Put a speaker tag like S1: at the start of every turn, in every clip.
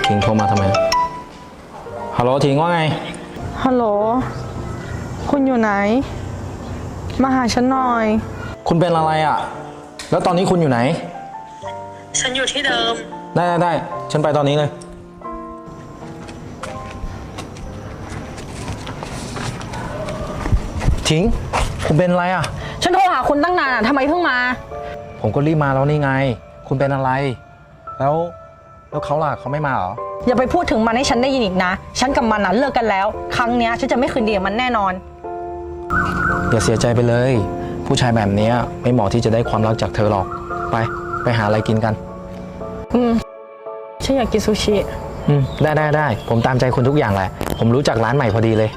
S1: ถิงโทรมาทำไมฮัลโหลถิงว่าไง
S2: ฮัลโหลคุณอยู่ไหนมาหาฉันหน่อย
S1: คุณเป็นอะไรอ่ะแล้วตอนนี้คุณอยู่ไหน
S2: ฉันอยู่ที่เดิม
S1: ได้ฉันไปตอนนี้เลยถิงคุณเป็นอะไรอ่ะ
S2: ฉันโทรหาคุณตั้งนานทำไมเพิ่งมา
S1: ผมก็รีบมาแล้วนี่ไงคุณเป็นอะไรแล้วเขาล่ะเขาไม่มาเหรอ
S2: อย่าไปพูดถึงมันให้ฉันได้ยินอีกนะฉันกับมันเลิกกันแล้วครั้งนี้ฉันจะไม่คืนดีกับมันแน่นอน
S1: อย่าเสียใจไปเลยผู้ชายแบบนี้ไม่เหมาะที่จะได้ความรักจากเธอหรอกไปหาอะไรกินกัน
S2: ฉันอยากกินซูชิ
S1: ได้ผมตามใจคุณทุกอย่างแหละผมรู้จักร้านใหม่พอดีเลย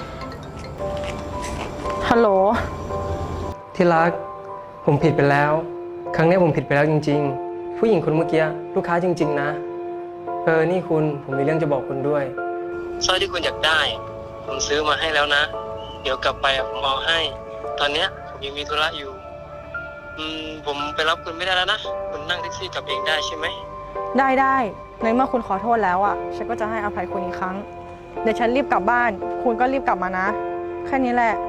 S2: ฮัลโหล
S3: ที่รักผมผิดไปแล้วครั้งนี้ผมผิดไปแล้วจริงๆผู้หญิงคนเมื่อกี้ลูกค้าจริงๆนะนี่คุณผมมีเรื่องจะบอกคุณด้วยสร้อยที่คุณอยากได้ผมซื้อมาให้แล้วนะเดี๋ยวกลับไปผมเอาให้ตอนเนี้ยผมยังมีธุระอยู่ผมไปรับคุณไม่ได้แล้วนะคุณนั่งแท็กซี่กลับเองได้ใช่ไหม
S2: ได้ในเมื่อคุณขอโทษแล้วฉันก็จะให้อภัยคุณอีกครั้งเดี๋ยวฉันรีบกลับบ้านคุณก็รีบกลับมานะแค่นี้แหละ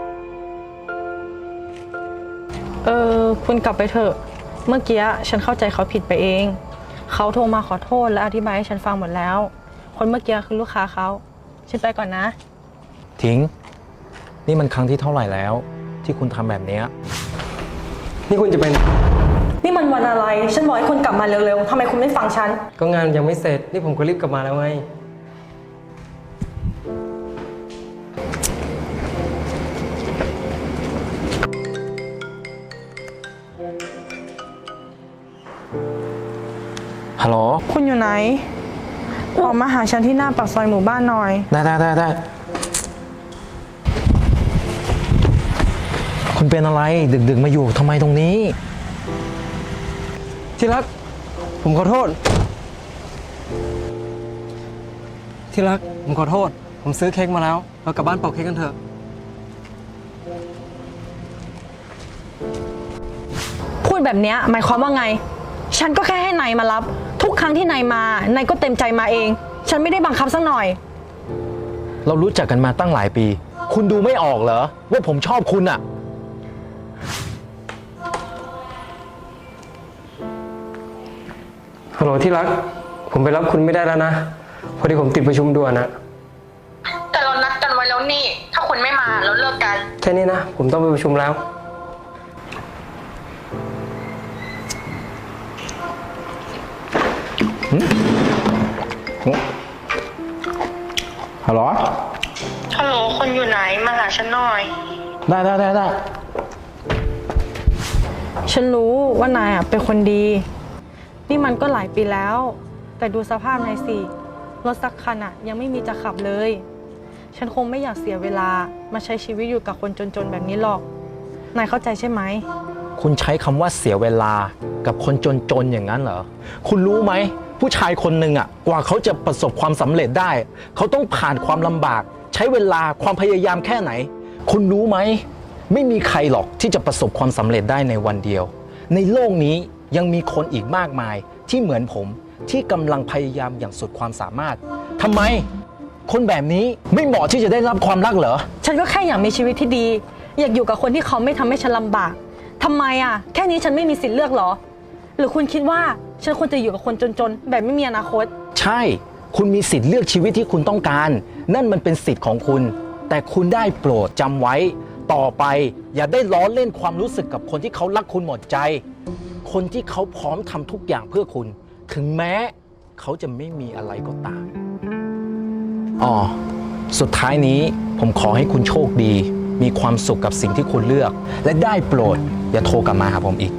S2: คุณกลับไปเถอะเมื่อกี้ฉันเข้าใจเขาผิดไปเองเขาโทรมาขอโทษและอธิบายให้ฉันฟังหมดแล้วคนเมื่อกี้คือลูกค้าเขาฉันไปก่อนนะ
S1: ทิ้งนี่มันครั้งที่เท่าไหร่แล้วที่คุณทำแบบนี้
S3: นี่คุณจะเป็น
S2: นี่มันวันอะไรฉันบอกให้คุณกลับมาเร็วๆทำไมคุณไม่ฟังฉัน
S3: ก็งานยังไม่เสร็จนี่ผมก็รีบกลับมาแล้วไง
S1: ฮัลโหล
S2: คุณอยู่ไหนออกมาหาฉันที่หน้าปากซอยหมู่บ้านหน่อย
S1: ได้คุณเป็นอะไรดึกมาอยู่ทำไมตรงนี้
S3: ที่รักผมขอโทษที่รักผมขอโทษผมซื้อเค้กมาแล้วเรากลับบ้านเป่าเค้กกันเถอะ
S2: พูดแบบนี้หมายความว่าไงฉันก็แค่ให้นายมารับทุกครั้งที่นายมานายก็เต็มใจมาเองฉันไม่ได้บังคับสักหน่อย
S1: เรารู้จักกันมาตั้งหลายปีคุณดูไม่ออกเหรอว่าผมชอบคุณอะ
S3: ฮัลโหลที่รักผมไปรับคุณไม่ได้แล้วนะพอดีผมติดประชุมด่วนนะ
S2: แต่เรานัดกันไว้แล้วนี่ถ้าคุณไม่มาเราเลิกกัน
S3: แค่นี้นะผมต้องไปประชุมแล้ว
S1: ฮัลโหล
S2: คนอยู่ไหนมาหาฉันหน่อย
S1: ได้
S2: ฉันรู้ว่านายเป็นคนดีนี่มันก็หลายปีแล้วแต่ดูสภาพนายสิรถสักคันยังไม่มีจะขับเลยฉันคงไม่อยากเสียเวลามาใช้ชีวิตอยู่กับคนจนๆแบบนี้หรอกนายเข้าใจใช่ไหม
S1: คุณใช้คำว่าเสียเวลากับคนจนๆอย่างนั้นเหรอคุณรู้ไหมผู้ชายคนหนึ่งกว่าเขาจะประสบความสำเร็จได้เขาต้องผ่านความลำบากใช้เวลาความพยายามแค่ไหนคุณรู้ไหมไม่มีใครหรอกที่จะประสบความสำเร็จได้ในวันเดียวในโลกนี้ยังมีคนอีกมากมายที่เหมือนผมที่กำลังพยายามอย่างสุดความสามารถทำไมคนแบบนี้ไม่เหมาะที่จะได้รับความรักเหรอ
S2: ฉันก็แค่อยากมีชีวิตที่ดีอยากอยู่กับคนที่เขาไม่ทำให้ฉันลำบากทำไมแค่นี้ฉันไม่มีสิทธิ์เลือกเหรอหรือคุณคิดว่าฉันควรจะอยู่กับคนจนๆแบบไม่มีอนาคต
S1: ใช่คุณมีสิทธิ์เลือกชีวิตที่คุณต้องการนั่นมันเป็นสิทธิ์ของคุณแต่คุณได้โปรดจำไว้ต่อไปอย่าได้ล้อเล่นความรู้สึกกับคนที่เขารักคุณหมดใจคนที่เขาพร้อมทำทุกอย่างเพื่อคุณถึงแม้เขาจะไม่มีอะไรก็ตามสุดท้ายนี้ผมขอให้คุณโชคดีมีความสุขกับสิ่งที่คุณเลือกและได้โปรดอย่าโทรกลับมาหาผมอีก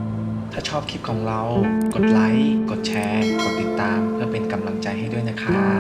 S1: ถ้าชอบคลิปของเรากดไลค์กดแชร์กดติดตามเพื่อเป็นกำลังใจให้ด้วยนะครับ